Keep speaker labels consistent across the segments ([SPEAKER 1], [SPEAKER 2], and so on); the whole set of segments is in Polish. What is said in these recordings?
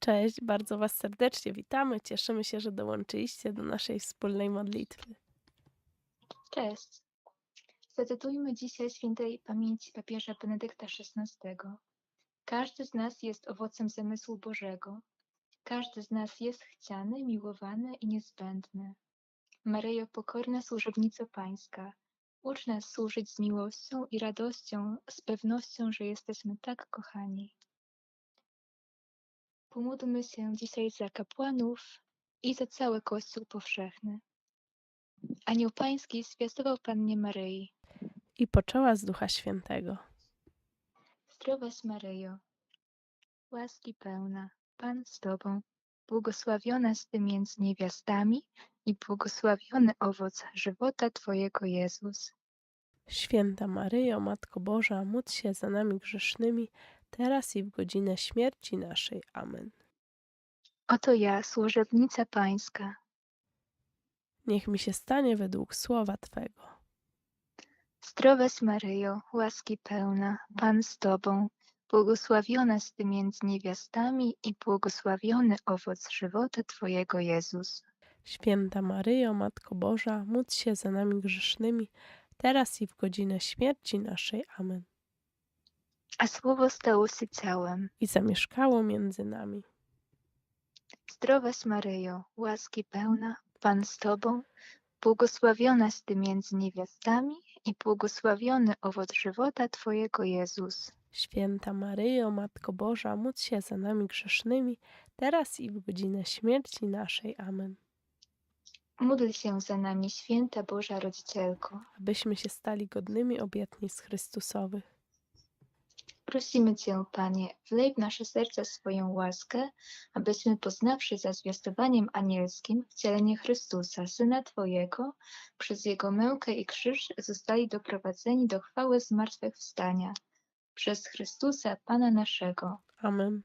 [SPEAKER 1] Cześć, bardzo Was serdecznie witamy. Cieszymy się, że dołączyliście do naszej wspólnej modlitwy.
[SPEAKER 2] Cześć. Zacytujmy dzisiaj świętej pamięci papieża Benedykta XVI. Każdy z nas jest owocem zamysłu Bożego. Każdy z nas jest chciany, miłowany i niezbędny. Maryjo, pokorna służebnico Pańska, ucz nas służyć z miłością i radością, z pewnością, że jesteśmy tak kochani. Pomódlmy się dzisiaj za kapłanów i za cały Kościół powszechny. Anioł Pański zwiastował Pannie Maryi.
[SPEAKER 1] I poczęła z Ducha Świętego.
[SPEAKER 2] Zdrowaś Maryjo, łaski pełna, Pan z Tobą, błogosławionaś Ty między niewiastami i błogosławiony owoc żywota Twojego Jezus.
[SPEAKER 1] Święta Maryjo, Matko Boża, módl się za nami grzesznymi, teraz i w godzinę śmierci naszej. Amen.
[SPEAKER 2] Oto ja, służebnica Pańska.
[SPEAKER 1] Niech mi się stanie według słowa Twego.
[SPEAKER 2] Zdrowaś Maryjo, łaski pełna, Pan z Tobą, błogosławionaś Ty między niewiastami i błogosławiony owoc żywota Twojego Jezus.
[SPEAKER 1] Święta Maryjo, Matko Boża, módl się za nami grzesznymi, teraz i w godzinę śmierci naszej. Amen.
[SPEAKER 2] A Słowo stało się ciałem.
[SPEAKER 1] I zamieszkało między nami.
[SPEAKER 2] Zdrowaś Maryjo, łaski pełna, Pan z Tobą, błogosławionaś Ty między niewiastami i błogosławiony owoc żywota Twojego Jezus.
[SPEAKER 1] Święta Maryjo, Matko Boża, módl się za nami grzesznymi, teraz i w godzinę śmierci naszej. Amen.
[SPEAKER 2] Módl się za nami, święta Boża Rodzicielko.
[SPEAKER 1] Abyśmy się stali godnymi obietnic Chrystusowych.
[SPEAKER 2] Prosimy Cię, Panie, wlej w nasze serca swoją łaskę, abyśmy poznawszy za zwiastowaniem anielskim wcielenie Chrystusa, Syna Twojego, przez Jego mękę i krzyż zostali doprowadzeni do chwały zmartwychwstania. Przez Chrystusa, Pana naszego.
[SPEAKER 1] Amen.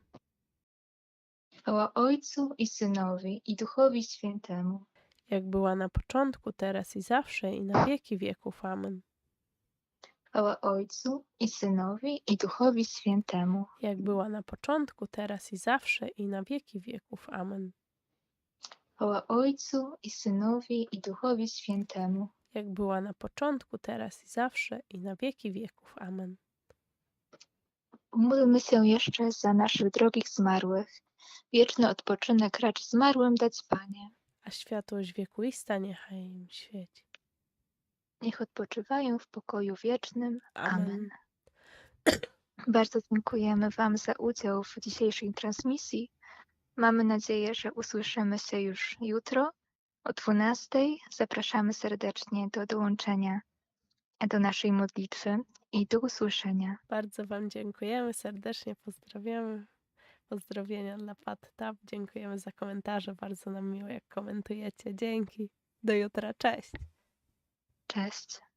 [SPEAKER 2] Chwała Ojcu i Synowi i Duchowi Świętemu.
[SPEAKER 1] Jak była na początku, teraz i zawsze, i na wieki wieków. Amen.
[SPEAKER 2] Chwała Ojcu i Synowi i Duchowi Świętemu.
[SPEAKER 1] Jak była na początku, teraz i zawsze, i na wieki wieków. Amen.
[SPEAKER 2] Chwała Ojcu i Synowi i Duchowi Świętemu.
[SPEAKER 1] Jak była na początku, teraz i zawsze, i na wieki wieków. Amen.
[SPEAKER 2] Módlmy się jeszcze za naszych drogich zmarłych. Wieczny odpoczynek racz zmarłym dać, Panie.
[SPEAKER 1] A światłość wiekuista niechaj im świeci.
[SPEAKER 2] Niech odpoczywają w pokoju wiecznym. Amen.
[SPEAKER 1] Amen.
[SPEAKER 2] Bardzo dziękujemy Wam za udział w dzisiejszej transmisji. Mamy nadzieję, że usłyszymy się już jutro o 12:00. Zapraszamy serdecznie do dołączenia do naszej modlitwy i do usłyszenia.
[SPEAKER 1] Bardzo Wam dziękujemy, serdecznie pozdrawiamy. Pozdrowienia dla Pat Tap. Dziękujemy za komentarze. Bardzo nam miło, jak komentujecie. Dzięki. Do jutra. Cześć.
[SPEAKER 2] Cześć.